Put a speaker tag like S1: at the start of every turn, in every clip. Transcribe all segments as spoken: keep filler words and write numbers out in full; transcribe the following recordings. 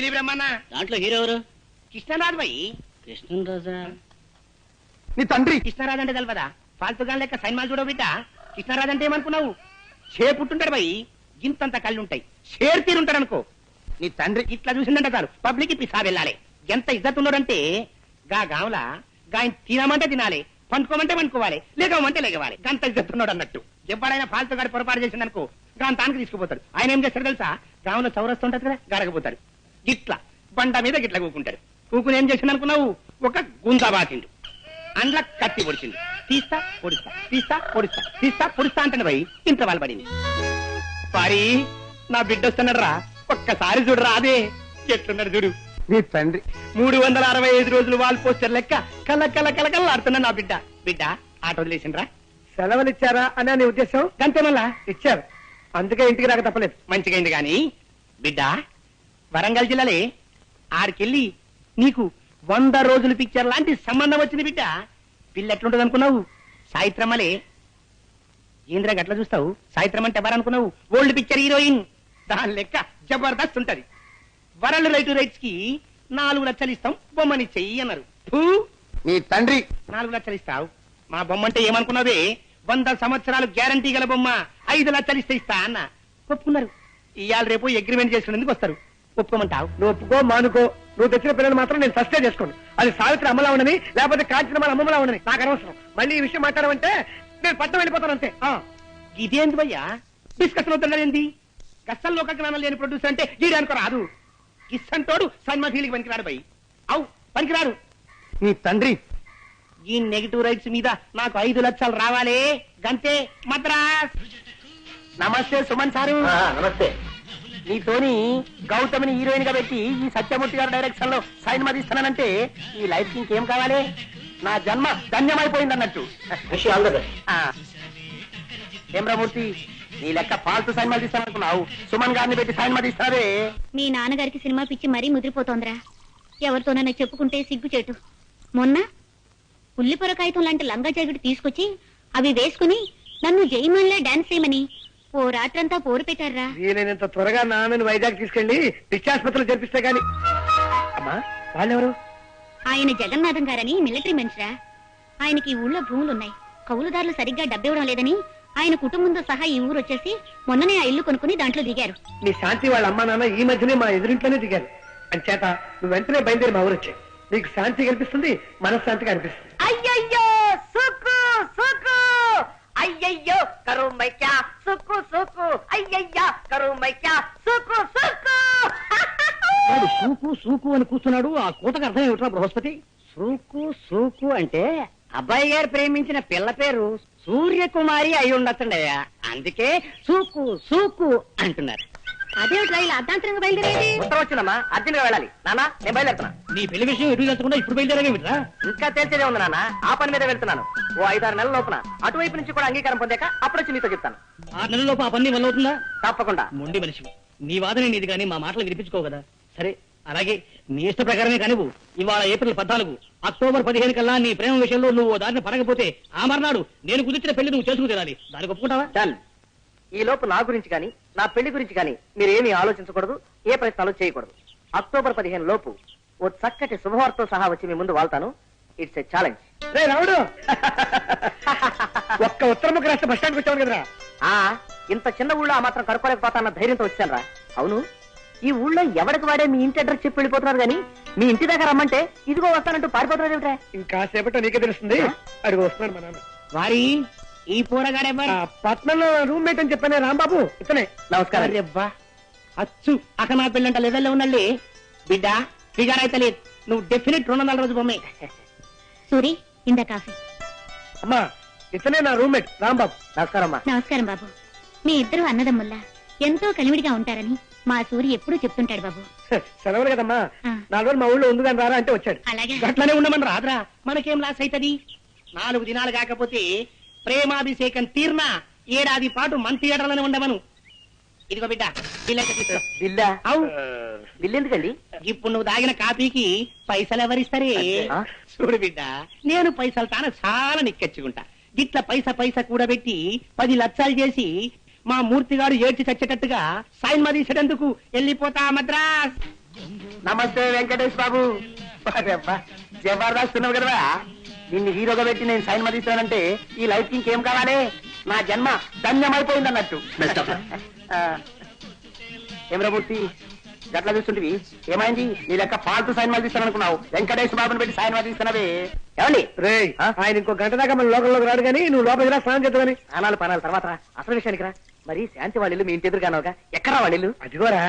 S1: జిలి బ్రహ్మన్న.
S2: దాంట్లో హీరో ఎవరు?
S1: కృష్ణరాజు భయ్.
S2: కృష్ణరాజా?
S3: నీ తండ్రి
S1: కృష్ణరాజు అంటే తెలవదా? ఫాల్తుగా లెక్క సైన్మాలు చూడవు బిడ్డ. కృష్ణరాజు అంటే ఏమనుకున్నావు? షే పుట్టుంటాడు భయ్, గింతంత కళ్ళుంటాయి, షేర్ తీరుంటాడు అనుకో. నీ తండ్రి ఇట్లా చూసిందంట చాలు పబ్లిక్ పిసా వెళ్ళాలి. ఎంత ఇజ్జత్ ఉన్నాడంటే గా గావుల గా తినమంటే తినాలి, పండుకోమంటే పండుకోవాలి, లేకమంటే లేకవాలి. గంత ఇజ్జత్ ఉన్నాడు అన్నట్టు. ఎవడైనా ఫాల్తు గాడి పొరపాటు చేసిందనుకో గాని తానికి తీసుకుపోతాడు. ఆయన ఏం చేస్తాడు తెలుసా? గావులో చౌరస్తుంటది కదా, గరగపోతాడు. గిట్లా బండ మీద గిట్లా కూకుంటాడు. కూకుని ఏం చేసింది అనుకున్నావు? ఒక గుంజా బాకిండు, అండ్ల కత్తి పొడిచింది. తీస్తా పొడిస్తా, తీస్తా పొడిస్తా, తీస్తా పొడిస్తా అంటే భయ్ ఇంట్లో వాళ్ళు పడింది. సారీ నా బిడ్డ వస్తున్నాడు రా, ఒక్కసారి చూడరా. అదే ఎట్లున్నాడు చూడు
S3: నీ తండ్రి.
S1: మూడు వందల అరవై ఐదు రోజులు వాల్ పోస్టర్ లెక్క కళ్ళ కళ్ళ కళ్ళ కళ్ళ ఆడుతున్నా నా బిడ్డ. బిడ్డ ఆట వదిలేసిండ్రా.
S3: సెలవులు ఇచ్చారా అని నీ ఉద్దేశం?
S1: గంతే మళ్ళా
S3: ఇచ్చారు, అందుకే ఇంటికి రాక తప్పలేదు.
S1: మంచిగైంది గాని బిడ్డ, వరంగల్ జిల్లాలే ఆడికెళ్ళి నీకు వంద రోజులు పిక్చర్ లాంటి సంబంధం వచ్చింది బిడ్డ. పిల్ల ఎట్లుంటది అనుకున్నావు? సాయిత్రమ్మలే. ఏంద్రా గట్లా చూస్తావు? సాయిత్రం అంటే ఎవరనుకున్నావు? Old picture heroine. దాని లెక్క జబర్దస్త్ ఉంటది. వరల్డ్ రైట్ రైట్స్ కి నాలుగు లక్షలు ఇస్తాం, బొమ్మని చెయ్యి అన్నారు.
S3: నీ తండ్రి.
S1: నాలుగు లక్షలు ఇస్తావు? మా బొమ్మ అంటే ఏమనుకున్నావే? వంద సంవత్సరాలు గ్యారంటీ గల బొమ్మ, ఐదు లక్షలు ఇస్తే ఇస్తా అన్న. ఒప్పుకున్నారు. ఇవాళ రేపు అగ్రిమెంట్ చేసుకునేందుకు వస్తారు. ఒప్పుకోమంటావు?
S3: నువ్వు ఒప్పుకో మానుకో, నువ్వు తెచ్చిన పిల్లలు మాత్రం నేను సస్టే చేసుకోండి. అది సావిత్రి అమ్మలా ఉండని, లేకపోతే కాంచిన అమ్మలా ఉండని నాకు అనవసరం. మళ్ళీ ఈ విషయం మాట్లాడమంటే నేను పట్టం వెళ్ళిపోతాను అంతే.
S1: ఇదేంది భయ్యా డిస్కషన్ అవుతున్నదేంది? గస్సల్లో ఒక జ్ఞానం లేని ప్రొడ్యూసర్ అంటే గీడానికి రాదు. గిస్సంటోడు సన్మా ఫీలింగ్ పనికిరాడు భయ్. అవు పనికిరాడు.
S3: నీ తండ్రి.
S1: ఈ నెగిటివ్ రైట్స్ మీద నాకు ఐదు లక్షలు రావాలే గంతే. మద్రాస్. నమస్తే సుమన్ సారు.
S3: నమస్తే.
S1: నీతోని గౌతమిని హీరోయిన్ గా పెట్టి ఈ సత్యమూర్తి గారి డైరెక్షన్ లో సైన్ మదిస్తానంటే ఈ లైఫ్ కి ఇంకేం కావాలి? నా జన్మ ధన్యమైపోయింది అన్నట్టు. హేమరామూర్తి, నీ లెక్క ఫాల్తు సినిమాలు తీస్తాననుకున్నావు, సుమన్ గారిని పెట్టి సినిమా తీస్తావే.
S4: మీ నాన్నగారికి సినిమా పిచ్చి మరీ ముదిరిపోతోందిరా. ఎవరితోనైనా చెప్పుకుంటే సిగ్గుచేటు. మొన్న ఉల్లిపొర కాగితం లాంటి లంగా జాకెట్ తీసుకొచ్చి అవి వేసుకుని నన్ను జైమన్లే డాన్స్ చేయమని ఓ రాత్రంతా పోరు పెట్టారా.
S3: వీలైనంత త్వరగా నాన్నని వైజాగ్ తీసుకెళ్లి పిచ్చాసుపత్రిలో చేర్పిస్తే గాని. అమ్మా వాళ్ళెవరు?
S4: ఆయన జగన్నాథం గారని మిలిటరీ మనిషిరా. ఆయనకి ఈ ఊళ్ళో భూములున్నాయి, కౌలుదారులు సరిగ్గా డబ్బివ్వడం లేదని ఆయన కుటుంబంతో సహా ఈ ఊరు వచ్చేసి మొన్ననే ఆ ఇల్లు కొనుక్కుని దాంట్లో దిగారు.
S3: మీ శాంతి వాళ్ళ అమ్మా నాన్న ఈ మధ్యనే మా ఎదురింట్లోనే దిగారు. అంచేత నువ్వు వెంటనే బయలుదేరి మా ఊరు వచ్చాయి. నీకు శాంతి కనిపిస్తుంది, మనశ్శాంతిగా అనిపిస్తుంది.
S5: అయ్యయ్యో సుకు సుకు, అయ్యయ్యో కరు మైక్యా సుకు సుకు, అయ్యయ్యా కరు మైక్యా సుకు సుకు.
S2: వాడు సూకు సూకు అని కూర్చున్నాడు. ఆ కూతకు అర్థం ఏమిట్రా బృహస్పతి?
S5: సూకు సూకు అంటే అబ్బాయి గారు ప్రేమించిన పిల్ల పేరు సూర్యకుమారి అయి ఉండొచ్చండయ్యా, అందుకే సూకు సూకు అంటున్నారు.
S4: అదేమిట్రా ఇలా అర్ధాంతరంగా బయలుదేరేది?
S5: ఉత్తరం వచ్చిందమ్మా, అర్జెంట్ గా వెళ్ళాలి. నాన్న నేను బయలుదేరుతున్నా.
S2: నీ పెళ్లి విషయం ఎటు వెళ్తకుండా ఇప్పుడు బయలుదేరేమిట్రా?
S5: ఇంకా తేల్చేదే ఉంది నాన్న, ఆ పని మీద వెళ్తున్నాను. ఓ ఐదారు నెలల లోపున అటువైపు నుంచి కూడా అంగీకారం పొందాక అప్పుడు వచ్చి మీతో చెప్తాను.
S2: ఆరు నెలల్లోపు ఆ పని వల్ల అవుతుందా?
S5: తప్పకుండా.
S2: మొండి మనిషి, నీ వాదన నీది కానీ మా మాటలు వినిపించుకో కదా. సరే అలాగే నీ ఇష్ట ప్రకారమే కానివ్వు. ఇవాళ ఏప్రిల్ పద్నాలుగు, అక్టోబర్ పదిహేను కల్లా నీ ప్రేమ విషయంలో నువ్వు దారిని పడకపోతే ఆ మర్నాడు నేను కుదిర్చిన పెళ్లి నువ్వు చేసుకు తీరాలి. దానికి ఒప్పుకుంటావా?
S5: డన్. ఈ లోపు నా గురించి కానీ నా పెళ్లి గురించి కానీ మీరు ఏమీ ఆలోచించకూడదు, ఏ ప్రయత్నాలు చేయకూడదు. అక్టోబర్ పదిహేను లోపు ఓ చక్కటి శుభవార్తతో సహా వచ్చి మీ ముందు వాళ్తాను. It's a challenge.
S3: రే రావుడు, ఒక్క ఉత్తరముఖ రాష్ట్ర బస్ స్టాండ్కి వచ్చావు కదరా.
S5: ఆ ఇంత చిన్న ఊళ్ళో ఆ మాత్రం కనుక్కోలేకపోతాన్న ధైర్యంతో వచ్చాను రా. అవును, ఈ ఊళ్ళో ఎవరికి వాడే మీ ఇంటి అడ్రస్ చెప్పి వెళ్ళిపోతున్నారు కానీ మీ ఇంటి దగ్గర రమ్మంటే ఇదిగో వస్తానంటూ పారిపోతున్నారు ఏమిట్రా?
S3: ఇంకాసేపట్లో నీకే తెలుస్తుంది. అడిగి వస్తున్నాడు మా నాన్న.
S1: వారి ఈ పోరగాడెవ్వరు?
S3: పట్నంలో రూమ్మేట్ అని చెప్పానే రాంబాబు, ఇతనే.
S5: నమస్కారం.
S1: అబ్బా అచ్చు అక్క నా పెళ్ళంట లెవెల్లో ఉన్నళ్ళి బిడ్డ ఫిగర్ అయితే లేదు. నువ్వు డెఫినెట్ రెండు వందల రోజు బొమ్మే.
S4: సూరి ఇందా కాఫీ.
S3: అమ్మా ఇతనే నా రూమ్మేట్ రాంబాబు.
S5: నమస్కారం అమ్మా.
S4: నమస్కారం బాబు. మీ ఇద్దరు అన్నదమ్ముల్లా ఎంతో కలివిడిగా ఉంటారని మా సూరి ఎప్పుడూ చెప్తుంటాడు బాబు.
S3: సెలవులు కదమ్మా,
S4: ఆ.
S3: నాలుగు రోజులు మా ఊళ్ళో ఉంది కానీ రారా అంటే వచ్చాడు.
S4: అలాగే
S1: గట్లనే ఉండమని రాదురా, మనకేం లాస్ అవుతుంది? నాలుగు దినాలు కాకపోతే ప్రేమాభిషేకం తీర్నా ఏడాది పాటు మన థియేటర్లోనే ఉండమను. ఇదిగో బిడ్డ బిల్లు.
S5: బిల్లా?
S1: అవు
S5: బిల్లు ఎందుకండి?
S1: ఇప్పుడు నువ్వు తాగిన కాపీకి పైసలు ఎవరిస్తారే?
S5: ఆ?
S1: చూడు బిడ్డ, నేను పైసలు తాన చాలా నిక్కచ్చుకుంటా. గిట్ల పైస పైస కూడబెట్టి పది లక్షలు చేసి మా మూర్తిగాడు ఏడ్చి చచ్చేటట్టుగా సైన్ మదీసేటందుకు వెళ్ళిపోతా మద్రాస్. నమస్తే వెంకటేష్ బాబు. అబ్బా, జబర్దస్త్ ఉన్నావు కదా. నిన్ను హీరోగా పెట్టి నేను సైన్ మదిస్తానంటే ఈ లైఫ్ కి ఇంకేం కావాలి? నా జన్మ ధన్యమైపోయింది అన్నట్టు. ఏమరామూర్తి గట్లా చూస్తుంటివి, ఏమైంది? నీ లెక్క పాల్తూ సైన్ మదిస్తాను అనుకున్నావు, వెంకటేష్ బాబుని పెట్టి సైన్ మదిస్తున్నావే. ఏమండి
S3: రే, ఆయన ఇంకో గంట దాకా మన లోకంలోకి రాడు కానీ నువ్వు లోపలికి రా, స్నానం చేద్దామని.
S5: అనాలు పనాలు తర్వాత రా. అసలు విషయానికి రా. మరి శాంతి వాళ్ళు మీ ఇంటి ఎదురుగానోగా, ఎక్కడా వాళ్ళు?
S3: అదిగోరా.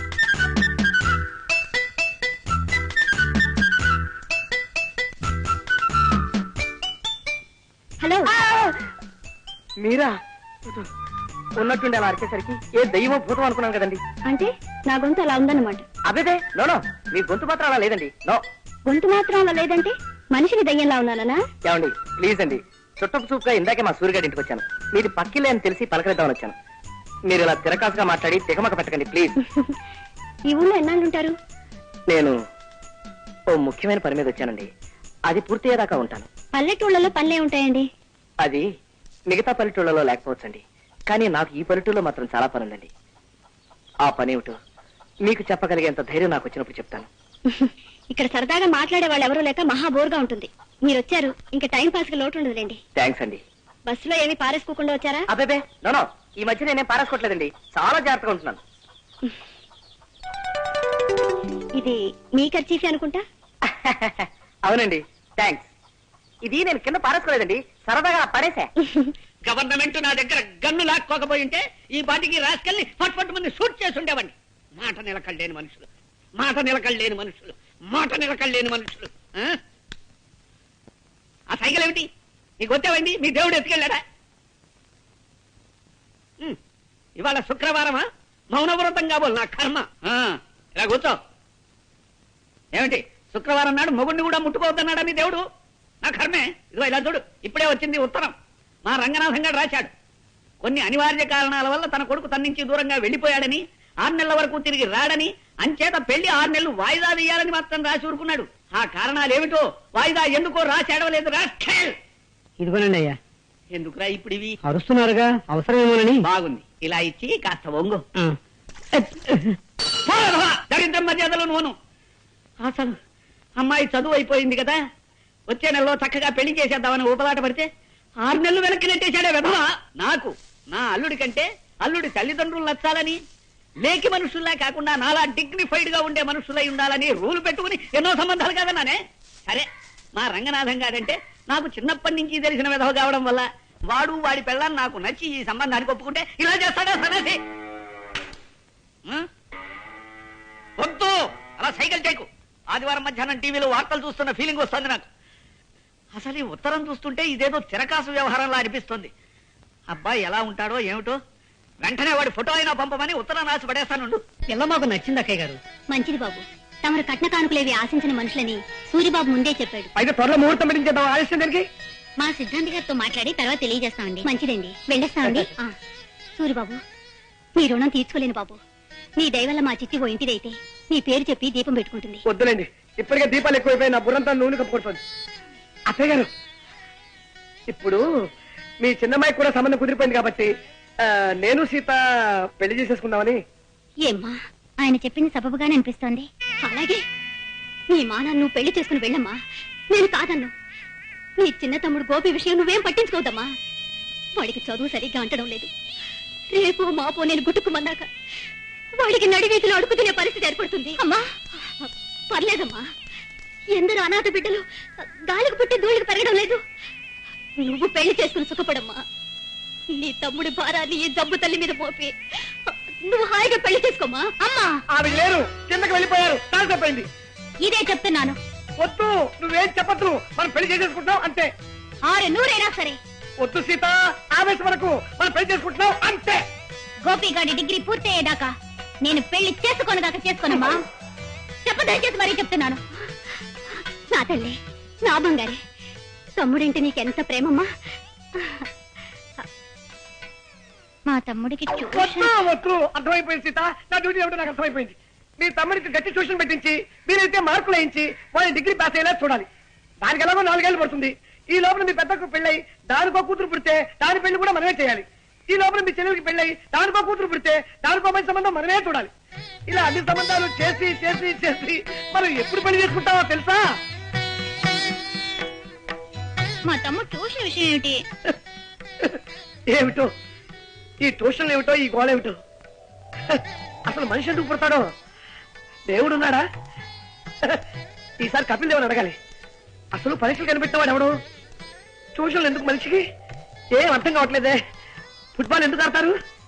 S4: హలో,
S5: మీరా? ఉన్నట్టుండి అలా అరిచేసరికి ఏ దైవం భూతం అనుకున్నాను కదండి.
S4: అంటే నా గొంతు అలా ఉందన్నమాట.
S5: అబేదే, నో నో, మీ గొంతు మాత్రం అలా లేదండి. నో.
S4: గొంతు మాత్రం అలా లేదంటే మనిషిని దయ్యంలా ఉన్నానా?
S5: ఏమండి ప్లీజ్ అండి, చుట్టపు చూపుగా ఇందాకే మా సూర్యగారి ఇంటికి వచ్చాను. మీది పక్కిలే అని తెలిసి పలకరిద్దామని వచ్చాను. మీరు ఇలా తిరకాసుగా మాట్లాడి తికమక పెట్టకండి ప్లీజ్.
S4: ఈ ఊళ్ళో ఎన్నాళ్ళుంటారు?
S5: నేను ఓ ముఖ్యమైన పని మీద వచ్చానండి. అది పూర్తయ్యేదాకా ఉంటాను.
S4: పల్లెటూళ్ళలో పనులే ఉంటాయండి.
S5: అది మిగతా పల్లెటూళ్ళలో లేకపోవచ్చండి, కానీ నాకు ఈ పల్లెటూళ్ళలో మాత్రం చాలా పని ఉందండి. ఆ పని ఏమిటో మీకు చెప్పగలిగేంత ధైర్యం నాకు వచ్చినప్పుడు చెప్తాను.
S4: ఇక్కడ సరదాగా మాట్లాడే వాళ్ళు ఎవరూ లేక మహా బోర్గా ఉంటుంది. మీరు వచ్చారు, ఇంకా టైం పాస్ కి లోటు ఉండదులేండి.
S5: థ్యాంక్స్ అండి.
S4: బస్సులో ఏమి పారేసుకోకుండా వచ్చారా?
S5: అబ్బేబే, నో నో, ఈ మధ్య నేనేం పారేసుకోవట్లేదండి, చాలా జాగ్రత్తగా ఉంటున్నాను.
S4: ఇది మీ ఖర్చీఫీ అనుకుంటా.
S5: అవునండి, థ్యాంక్స్. ఇది నేను కింద పారేసుకోలేదండి, సరదాగా పడేసా.
S2: గవర్నమెంట్ నా దగ్గర గన్ను లాక్కోకపోయి ఉంటే ఈ పాటికి రాసుకెళ్ళి ఫట్ ఫట్ మంది షూట్ చేసి ఉండేవాడిని. మాట నిలకడలేని మనుషులు, మాట నిలకడలేని మనుషులు, మాట నిలకడలేని మనుషులు. ఆ? ఆ సైకిల్ ఏమిటి? నీకు వచ్చావండి, మీ దేవుడు ఎత్తుకెళ్ళాడా? ఉమ్, ఇవాళ శుక్రవారమా? మౌనవ్రతం కాబోలు నా కర్మ. ఆ, ఇలా కూర్చో. ఏమిటి శుక్రవారం నాడు మొగుడిని కూడా ముట్టుకోవద్దన్నాడా మీ దేవుడు? నా కర్మే. ఇదిగో ఇలా చూడు, ఇప్పుడే వచ్చింది ఉత్తరం. మా రంగనాథం గారు రాశాడు. కొన్ని అనివార్య కారణాల వల్ల తన కొడుకు తన నుంచి దూరంగా వెళ్లిపోయాడని, ఆరు నెలల వరకు తిరిగి రాడని, అంచేత పెళ్లి ఆరు నెలలు వాయిదా వేయాలని మాత్రం రాసి ఊరుకున్నాడు. ఆ కారణాలు ఏమిటో వాయిదా ఎందుకో రాసేడవలేదు. రాష్ట్రేల్ ఇదిగోనండి అయ్యా.
S1: ఎందుకురా ఇప్పుడు ఇవి?
S2: అరుస్తున్నారుగా, అవసరమేమోనని.
S1: బాగుంది, ఇలా ఇచ్చి కాస్త వంగు.
S2: ఆ.
S1: దరిద్రం మర్యాదలు నువ్వును. అసలు అమ్మాయి చదువు అయిపోయింది కదా, వచ్చే నెలలో చక్కగా పెళ్లి చేసేద్దామని ఊపలాట పడితే ఆరు నెలలు వెనక్కి నెట్టేశాడే విధవా. నాకు నా అల్లుడి కంటే అల్లుడి తల్లిదండ్రులు నచ్చాలని, లేకి మనుషుల్లా కాకుండా నాలా డిగ్నిఫైడ్ గా ఉండే మనుషులై ఉండాలని రూలు పెట్టుకుని ఎన్నో సంబంధాలు కాదన్నానే. సరే, మా రంగనాథం గారంటే నాకు చిన్నప్పటి నుంచి తెలిసిన విధవ కావడం వల్ల వాడు వాడి పెళ్ళాన్ని నాకు నచ్చి ఈ సంబంధానికి ఒప్పుకుంటే ఇలా చేస్తాడా సరే? వద్దు, అలా సైకిల్ చేయకు. ఆదివారం మధ్యాహ్నం టీవీలో వార్తలు చూస్తున్న ఫీలింగ్ వస్తుంది నాకు. అసలు ఈ ఉత్తరం చూస్తుంటే ఇదేదో తిరకాసు వ్యవహారంలా అనిపిస్తుంది. అబ్బాయి ఎలా ఉంటాడో ఏమిటో, వెంటనే వాడి ఫోటో అయినా పంపమని ఉత్తరం రాసి పడేస్తానుండు.
S2: పిల్ల మాకు నచ్చింది అక్కయ్య గారు.
S4: మంచిది బాబు, తమరు కట్న కానుకలేవి ఆశించిన మనుషులని సూరిబాబు ముందే చెప్పాడు.
S3: అయితే త్వరలో ముహూర్తం పెట్టించేద్దాం, ఆలస్యం దానికి.
S4: మా సిద్ధాంతి గారితో మాట్లాడి తర్వాత తెలియజేస్తామండి. మంచిదండి, వెళ్ళేస్తామండి. ఆ, సూరిబాబు, నీ రుణం తీర్చుకోలేను బాబు. నీ దయవల్ల మా చిట్టి ఓ ఇంటిదైతే నీ పేరు చెప్పి దీపం పెట్టుకుంటుంది.
S3: వద్దులేండి, ఇప్పటికే దీపాలు ఎక్కువైపోయి నా బుర్రంతా నూనె కప్పుకుంటుంది. అత్తయ్య గారు, ఇప్పుడు మీ చిన్నమ్మాయి కూడా సంబంధం కుదిరిపోయింది కాబట్టి ఆ, నేను సీత పెళ్లి చేసేసుకుందామని.
S4: ఏమ్మా, ఆయన చెప్పింది సబబుగానే అనిపిస్తోంది. అలాగే నీ మానాన్ని నువ్వు పెళ్లి చేసుకుని వెళ్ళమ్మా, నేను కాదన్ను. నీ చిన్న తమ్ముడు గోపి విషయం నువ్వేం పట్టించుకోవద్దమ్మా. వాడికి చదువు సరిగ్గా అంటడం లేదు. రేపు మాపో నేను గుట్టుకుమన్నాక వాడికి నడివీధిలో అడుగు తినే పరిస్థితి ఏర్పడుతుంది. అమ్మా పర్లేదమ్మా, ఎందరో అనాథ బిడ్డలు గాలికి పుట్టి ధూళికి పెరగడం లేదు. నువ్వు పెళ్లి చేసుకుని సుఖపడమ్మా. నీ తమ్ముడి భారాన్ని ఈ జబ్బు తల్లి మీద మోపి నువ్వు హాయిగా పెళ్లి చేసుకోమా. అమ్మా,
S3: ఆవిడ లేరు, కిందకి వెళ్ళిపోయారు, చాలా తప్పైంది.
S4: ఇదే చెప్తున్నాను.
S3: వద్దు, నువ్వేం చెప్పద్దు, మనం పెళ్లి చేసేసుకుంటున్నాం అంతే.
S4: ఆరు నూరైనా సరే.
S3: వద్దు సీత, ఆవేశం వరకు మనం పెళ్లి చేసుకుంటున్నాం అంతే.
S4: గోపిగాడి డిగ్రీ పూర్తయ్యేదాకా నేను పెళ్లి చేసుకోనుగాక చేసుకోనమ్మా. చెప్పదయచేసి మరీ చెప్తున్నాను. నా తల్లి, నా బంగారే, తమ్ముడింటే నీకెంత ప్రేమమ్మా. మా తమ్ముడికి
S3: వద్దు వద్దు, అర్థమైపోయింది సీత, నా డ్యూటీ ఏమిటో నాకు అర్థమైపోయింది. మీ తమ్ముడికి గట్టి ట్యూషన్ పెట్టించి మీరైతే మార్కులు వేయించి వాళ్ళని డిగ్రీ పాస్ అయ్యేలా చూడాలి. దానికి ఎలాగో నాలుగేళ్లు పడుతుంది. ఈ లోపల మీ పెద్దకు పెళ్ళై దానికో కూతురు పుడితే దాని పెళ్లి కూడా మనమే చేయాలి. ఈ లోపల మీ చెల్లెలకి పెళ్ళై దానికో కూతురు పుడితే దానికో మంచి సంబంధం మనమే చూడాలి. ఇలా అన్ని సంబంధాలు చేసి చేసి చేసి మనం ఎప్పుడు పెళ్లి చేసుకుంటామో తెలుసా?
S4: మా తమ్ముడు ట్యూషన్ విషయం ఏమిటి?
S3: ఏమిటో ఈ ట్యూషన్ ఏమిటో, ఈ గోళ ఏమిటో. అసలు మనిషి ఎందుకు పుడతాడో? దేవుడు ఉన్నాడా? ఈసారి కపిల్ దేవుని అడగాలి. అసలు పరీక్షలు కనిపెట్టినవాడు ఎవడు? ట్యూషన్లు ఎందుకు మనిషికి? ఏం అర్థం కావట్లేదే. ఫుట్బాల్ ఎందుకు ఆడతారు?